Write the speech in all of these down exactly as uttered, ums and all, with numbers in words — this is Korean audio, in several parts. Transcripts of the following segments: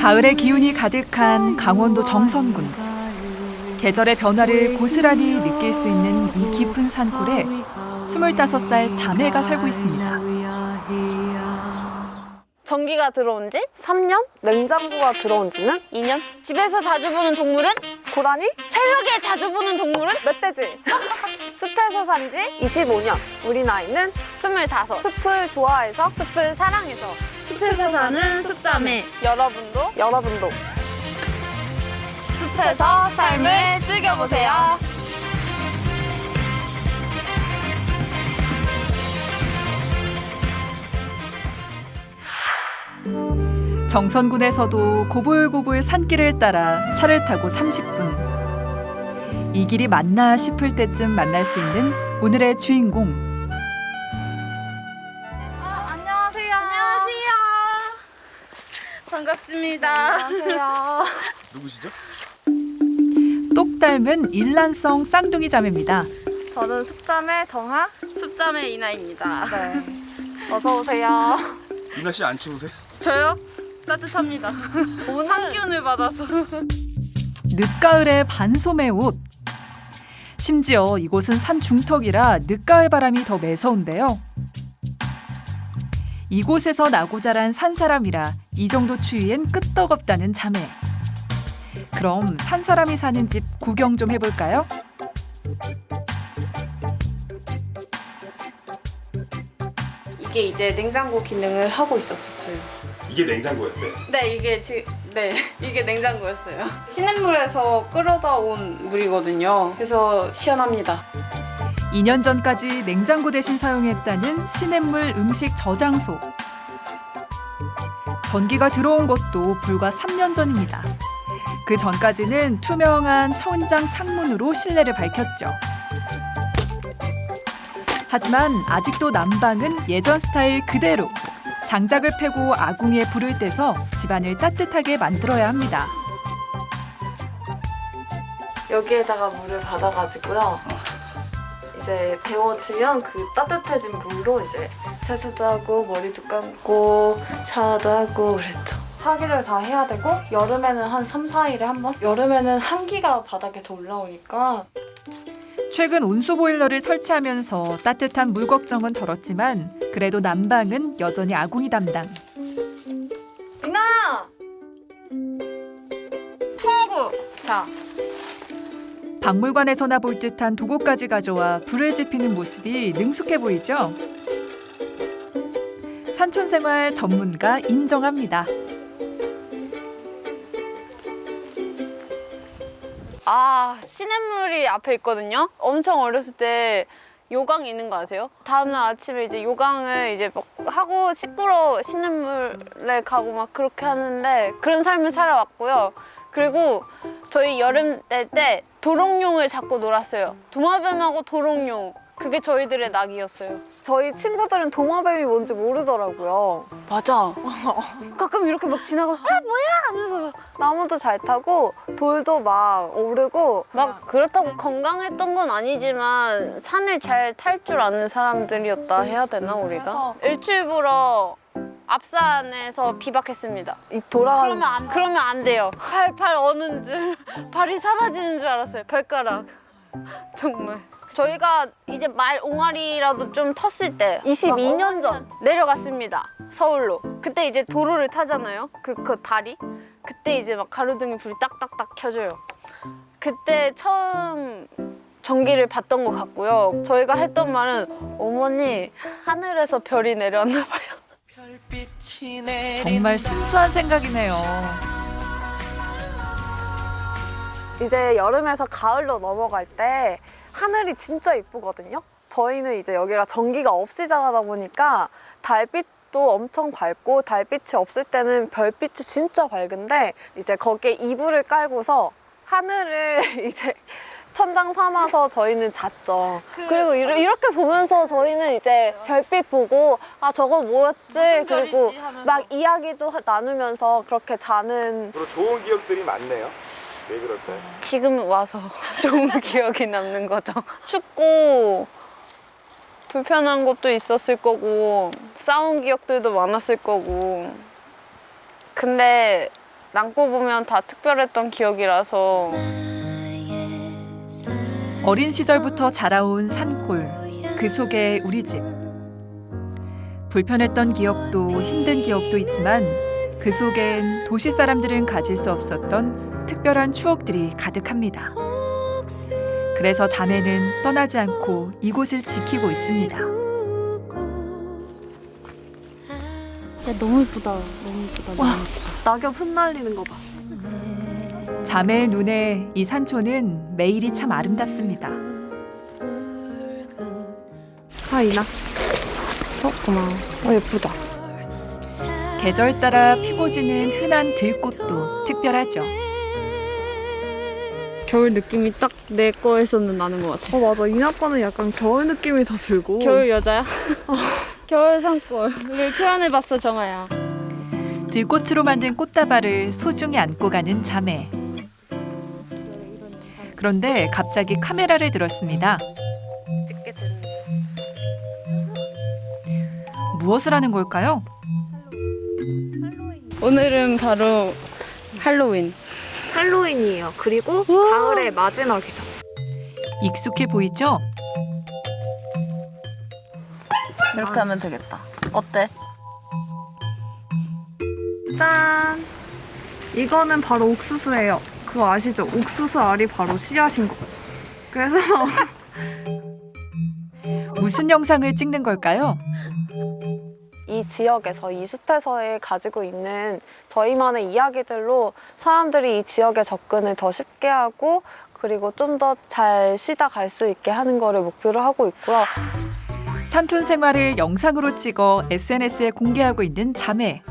가을의 기운이 가득한 강원도 정선군. 계절의 변화를 고스란히 느낄 수 있는 이 깊은 산골에 스물다섯 살 자매가 살고 있습니다. 전기가 들어온 지 삼 년? 냉장고가 들어온 지는 이 년? 집에서 자주 보는 동물은? 고라니? 새벽에 자주 보는 동물은? 멧돼지. 숲에서 산 지 이십오 년. 우리 나이는 스물다섯. 숲을 좋아해서 숲을 사랑해서. 숲에서 사는 숲자매. 여러분도 여러분도 숲에서 삶을 즐겨보세요. 정선군에서도 고불고불 산길을 따라 차를 타고 삼십 분. 이 길이 맞나 싶을 때쯤 만날 수 있는 오늘의 주인공. 아, 안녕하세요. 안녕하세요. 반갑습니다. 안녕하세요. 누구시죠? 똑 닮은 일란성 쌍둥이 자매입니다. 저는 숲자매 정하. 숲자매 이나입니다. 네. 어서 오세요. 이나 씨 안 추우세요? 저요? 따뜻합니다. 산기운을 받아서. 늦가을의 반소매 옷. 심지어 이곳은 산 중턱이라 늦가을 바람이 더 매서운데요. 이곳에서 나고 자란 산사람이라 이 정도 추위엔 끄떡없다는 자매. 그럼 산사람이 사는 집 구경 좀 해볼까요? 이게 이제 냉장고 기능을 하고 있었어요. 이게 냉장고였어요? 네, 이게 지, 네, 이게 냉장고였어요. 시냇물에서 끌어다 온 물이거든요. 그래서 시원합니다. 이 년 전까지 냉장고 대신 사용했다는 시냇물 음식 저장소. 전기가 들어온 것도 불과 삼 년 전입니다. 그 전까지는 투명한 천장 창문으로 실내를 밝혔죠. 하지만 아직도 난방은 예전 스타일 그대로. 장작을 패고 아궁이에 불을 떼서 집안을 따뜻하게 만들어야 합니다. 여기에다가 물을 받아가지고요. 이제 데워지면 그 따뜻해진 물로 이제 세수도 하고 머리도 감고 샤워도 하고 그랬죠. 사계절 다 해야 되고 여름에는 한 삼, 사 일에 한 번? 여름에는 한기가 바닥에 더 올라오니까 최근 온수 보일러를 설치하면서 따뜻한 물 걱정은 덜었지만 그래도 난방은 여전히 아궁이 담당. 이나! 풍구! 자, 박물관에서나 볼 듯한 도구까지 가져와 불을 지피는 모습이 능숙해 보이죠? 산촌생활 전문가 인정합니다. 아, 시냇물이 앞에 있거든요. 엄청 어렸을 때 요강 있는 거 아세요? 다음날 아침에 이제 요강을 이제 막 하고 씻으러 시냇물에 가고 막 그렇게 하는데 그런 삶을 살아왔고요. 그리고 저희 여름 때 때 도롱뇽을 잡고 놀았어요. 도마뱀하고 도롱뇽. 그게 저희들의 낙이었어요. 저희 친구들은 도마뱀이 뭔지 모르더라고요. 맞아. 가끔 이렇게 막 지나가 아 뭐야 하면서 나무도 잘 타고 돌도 막 오르고 막 그렇다고 건강했던 건 아니지만 산을 잘 탈 줄 아는 사람들이었다 해야 되나 우리가? 일출 보러 앞산에서 비박했습니다. 입 돌아가는 그러면 안, 그러면 안 돼요. 팔, 팔 어는 줄, 발이 사라지는 줄 알았어요. 발가락. 정말. 저희가 이제 말 옹알이라도 좀 텄을 때 이십이 년 전 내려갔습니다. 서울로. 그때 이제 도로를 타잖아요. 그, 그 다리. 그때 이제 막 가로등이 불이 딱딱딱 켜져요. 그때 처음 전기를 봤던 것 같고요. 저희가 했던 말은 어머니 하늘에서 별이 내려왔나 봐요. 정말 순수한 생각이네요. 이제 여름에서 가을로 넘어갈 때 하늘이 진짜 이쁘거든요. 저희는 이제 여기가 전기가 없이 자라다 보니까 달빛도 엄청 밝고 달빛이 없을 때는 별빛이 진짜 밝은데 이제 거기에 이불을 깔고서 하늘을 이제 천장 삼아서 저희는 잤죠. 그, 그리고 이르, 이렇게 보면서 저희는 이제 별빛 보고 아 저거 뭐였지? 그리고 별이지 하면서. 막 이야기도 하- 나누면서 그렇게 자는 그리고 좋은 기억들이 많네요. 왜 그럴까요? 지금 와서 좋은 기억이 남는 거죠. 춥고 불편한 것도 있었을 거고 싸운 기억들도 많았을 거고 근데 남고 보면 다 특별했던 기억이라서 어린 시절부터 자라온 산골, 그 속에 우리 집. 불편했던 기억도 힘든 기억도 있지만 그 속엔 도시 사람들은 가질 수 없었던 특별한 추억들이 가득합니다. 그래서 자매는 떠나지 않고 이곳을 지키고 있습니다. 진짜 너무 예쁘다. 너무 예쁘다. 너무 예쁘다. 낙엽 흩날리는 거 봐. 자매의 눈에 이 산초는 매일이 참 아름답습니다. 아, 이나. 어, 고마워. 어, 예쁘다. 계절 따라 피고 지는 흔한 들꽃도 특별하죠. 겨울 느낌이 딱 내 거에서는 나는 것 같아. 어, 맞아. 이나 거는 약간 겨울 느낌이 더 들고. 겨울 여자야? 겨울 산골을 표현해봤어, 정아야. 들꽃으로 만든 꽃다발을 소중히 안고 가는 자매. 그런데 갑자기 카메라를 들었습니다. 찍게 되는. 무엇을 하는 걸까요? 오늘은 바로 할로윈. 할로윈이에요. 그리고 가을의 마지막이죠. 익숙해 보이죠? 이렇게 하면 되겠다. 어때? 짠! 이거는 바로 옥수수예요. 그거 아시죠? 옥수수 알이 바로 씨앗인 거. 그래서 무슨 영상을 찍는 걸까요? 이 지역에서, 이 숲에서의 가지고 있는 저희만의 이야기들로 사람들이 이 지역에 접근을 더 쉽게 하고 그리고 좀 더 잘 쉬다 갈 수 있게 하는 거를 목표로 하고 있고요. 산촌 생활을 영상으로 찍어 에스엔에스에 공개하고 있는 자매.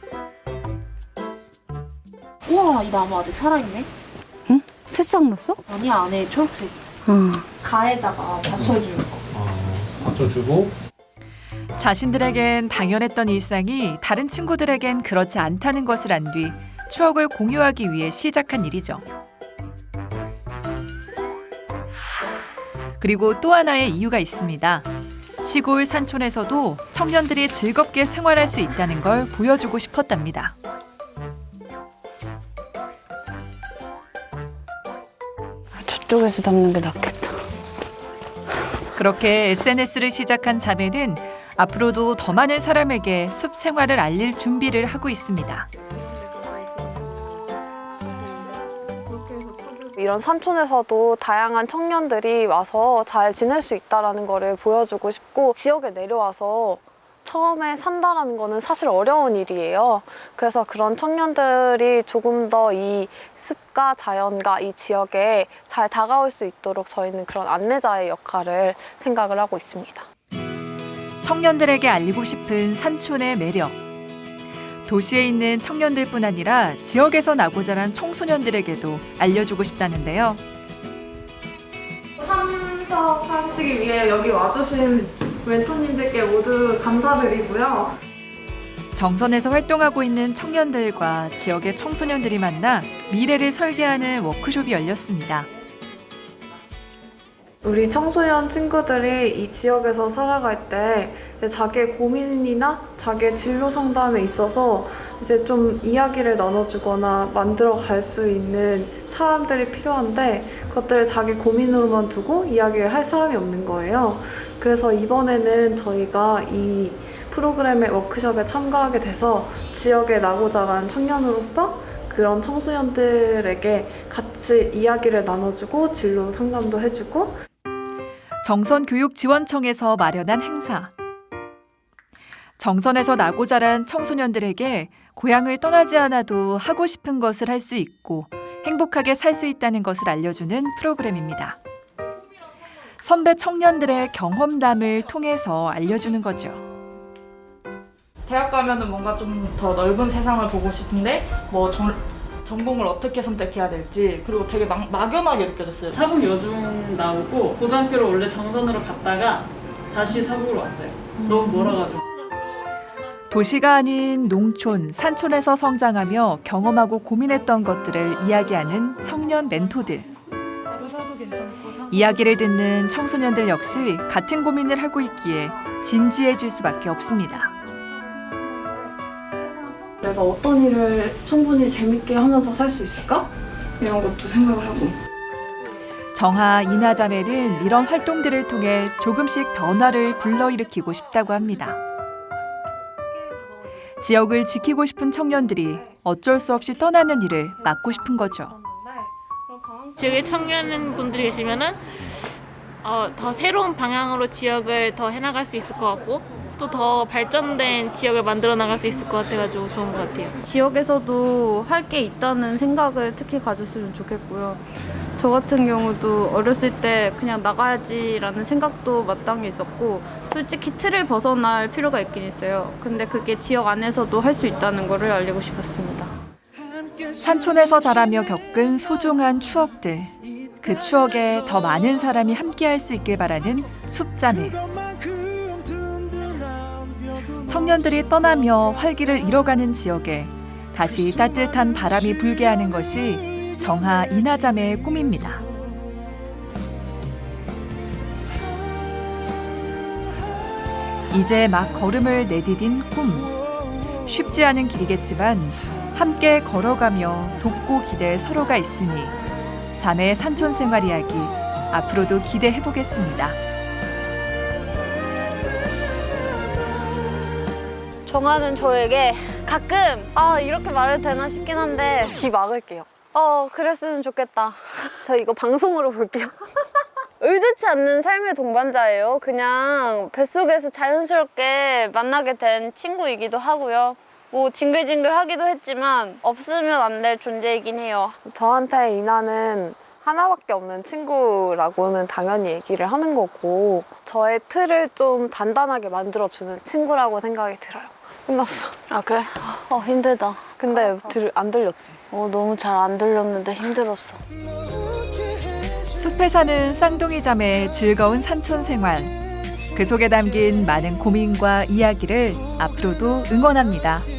우와, 이 나무 아직 살아있네? 응? 새싹 났어? 아니, 안에 초록색. 응. 가에다가 받쳐주는 거. 받쳐주고 자신들에겐 당연했던 일상이 다른 친구들에겐 그렇지 않다는 것을 안 뒤 추억을 공유하기 위해 시작한 일이죠. 그리고 또 하나의 이유가 있습니다. 시골 산촌에서도 청년들이 즐겁게 생활할 수 있다는 걸 보여주고 싶었답니다. 저쪽에서 담는 게 낫겠다. 그렇게 에스엔에스를 시작한 자매는 앞으로도 더 많은 사람에게 숲 생활을 알릴 준비를 하고 있습니다. 이런 산촌에서도 다양한 청년들이 와서 잘 지낼 수 있다는 거를 보여주고 싶고 지역에 내려와서 처음에 산다라는 거는 사실 어려운 일이에요. 그래서 그런 청년들이 조금 더 이 숲과 자연과 이 지역에 잘 다가올 수 있도록 저희는 그런 안내자의 역할을 생각을 하고 있습니다. 청년들에게 알리고 싶은 산촌의 매력. 도시에 있는 청년들뿐 아니라 지역에서 나고 자란 청소년들에게도 알려주고 싶다는데요. 참석하시기 위해 여기 와주신 멘토님들께 모두 감사드리고요. 정선에서 활동하고 있는 청년들과 지역의 청소년들이 만나 미래를 설계하는 워크숍이 열렸습니다. 우리 청소년 친구들이 이 지역에서 살아갈 때 자기의 고민이나 자기의 진로 상담에 있어서 이제 좀 이야기를 나눠주거나 만들어 갈 수 있는 사람들이 필요한데 그것들을 자기 고민으로만 두고 이야기를 할 사람이 없는 거예요. 그래서 이번에는 저희가 이 프로그램의 워크숍에 참가하게 돼서 지역에 나고 자란 청년으로서 그런 청소년들에게 같이 이야기를 나눠주고 진로 상담도 해주고 정선교육지원청에서 마련한 행사. 정선에서 나고 자란 청소년들에게 고향을 떠나지 않아도 하고 싶은 것을 할 수 있고 행복하게 살 수 있다는 것을 알려주는 프로그램입니다. 선배 청년들의 경험담을 통해서 알려주는 거죠. 대학 가면은 뭔가 좀 더 넓은 세상을 보고 싶은데 뭐 전, 전공을 어떻게 선택해야 될지 그리고 되게 막, 막연하게 느껴졌어요. 사북 여중 나오고 고등학교를 원래 정선으로 갔다가 다시 사북으로 왔어요. 너무 멀어가지고. 도시가 아닌 농촌, 산촌에서 성장하며 경험하고 고민했던 것들을 이야기하는 청년 멘토들. 교사도 괜찮고 이야기를 듣는 청소년들 역시 같은 고민을 하고 있기에 진지해질 수밖에 없습니다. 내가 어떤 일을 충분히 재밌게 하면서 살 수 있을까? 이런 것도 생각을 하고. 정하 이나 자매는 이런 활동들을 통해 조금씩 변화를 불러일으키고 싶다고 합니다. 지역을 지키고 싶은 청년들이 어쩔 수 없이 떠나는 일을 막고 싶은 거죠. 지역에 청년분들이 계시면은 어, 더 새로운 방향으로 지역을 더 해나갈 수 있을 것 같고 또 더 발전된 지역을 만들어 나갈 수 있을 것 같아가지고 좋은 것 같아요. 지역에서도 할 게 있다는 생각을 특히 가졌으면 좋겠고요. 저 같은 경우도 어렸을 때 그냥 나가야지라는 생각도 마땅히 있었고 솔직히 틀을 벗어날 필요가 있긴 있어요. 근데 그게 지역 안에서도 할 수 있다는 거를 알리고 싶었습니다. 산촌에서 자라며 겪은 소중한 추억들. 그 추억에 더 많은 사람이 함께할 수 있길 바라는 숲자매. 청년들이 떠나며 활기를 잃어가는 지역에 다시 따뜻한 바람이 불게 하는 것이 정하 이나 자매의 꿈입니다. 이제 막 걸음을 내디딘 꿈. 쉽지 않은 길이겠지만 함께 걸어가며 돕고 기댈 서로가 있으니 자매의 산촌 생활 이야기 앞으로도 기대해 보겠습니다. 정하는 저에게 가끔 아 이렇게 말해도 되나 싶긴 한데 귀 막을게요. 어 그랬으면 좋겠다. 저 이거 방송으로 볼게요. 의도치 않는 삶의 동반자예요. 그냥 뱃속에서 자연스럽게 만나게 된 친구이기도 하고요. 뭐 징글징글하기도 했지만 없으면 안 될 존재이긴 해요. 저한테 이나는 하나밖에 없는 친구라고는 당연히 얘기를 하는 거고 저의 틀을 좀 단단하게 만들어주는 친구라고 생각이 들어요. 끝났어. 아 그래? 어 힘들다. 근데 들, 안 들렸지? 어 너무 잘 안 들렸는데 힘들었어. 숲에 사는 쌍둥이 자매의 즐거운 산촌 생활. 그 속에 담긴 많은 고민과 이야기를 앞으로도 응원합니다.